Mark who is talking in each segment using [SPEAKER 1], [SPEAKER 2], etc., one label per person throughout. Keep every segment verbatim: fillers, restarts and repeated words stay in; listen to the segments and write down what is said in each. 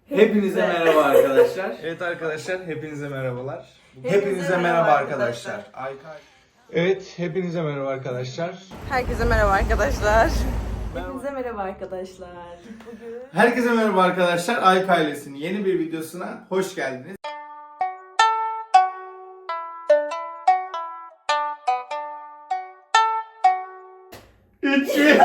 [SPEAKER 1] Hepinize merhaba arkadaşlar.
[SPEAKER 2] Evet arkadaşlar, hepinize merhabalar.
[SPEAKER 3] Hepinize merhaba arkadaşlar.
[SPEAKER 2] Aykay. Evet, hepinize merhaba arkadaşlar.
[SPEAKER 3] Herkese merhaba arkadaşlar. Hepinize merhaba arkadaşlar. Bugün
[SPEAKER 1] Herkese merhaba arkadaşlar. Ayk ailesinin yeni bir videosuna hoş geldiniz. İki.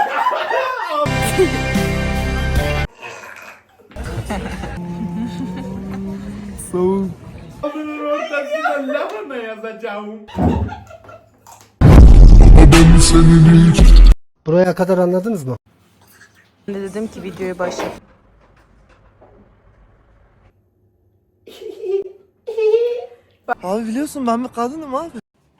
[SPEAKER 2] Soğuk.
[SPEAKER 1] Bunun ortasında lahana yazacağım.
[SPEAKER 4] Buraya kadar anladınız mı?
[SPEAKER 3] ben de dedim ki videoya başlayalım.
[SPEAKER 4] Abi biliyorsun ben bir kadınım abi.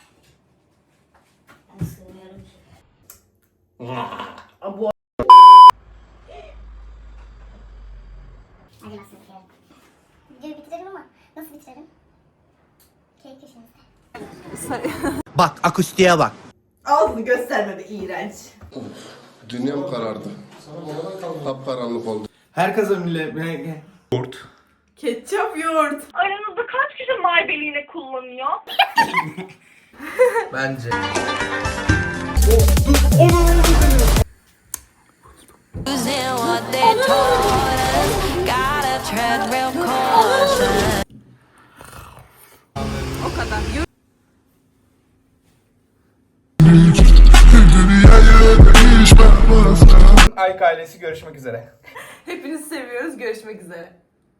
[SPEAKER 5] Hadi nasıl bitirelim? Videoyu bitirelim ama nasıl bitirelim? Keyif köşemizde.
[SPEAKER 4] Bak akustiğe bak.
[SPEAKER 3] Ağzını gösterme be iğrenç.
[SPEAKER 6] Dünyam karardı. Kapkaranlık oldu.
[SPEAKER 1] Herkese millet.
[SPEAKER 3] Ketçap yoğurt.
[SPEAKER 7] Aranızda kaç kişi maybelline kullanıyor?
[SPEAKER 1] Bence.
[SPEAKER 8] Using what they taught us, gotta tread real caution.
[SPEAKER 3] O kadar. Yoğurt.
[SPEAKER 2] Ayk ailesi görüşmek üzere.
[SPEAKER 3] Hepinizi seviyoruz. Görüşmek üzere.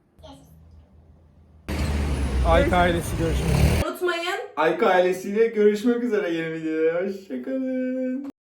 [SPEAKER 2] Ayk ailesi görüşmek üzere.
[SPEAKER 3] Unutmayın.
[SPEAKER 1] Ayk ailesiyle görüşmek üzere yeni videoda. Hoşçakalın.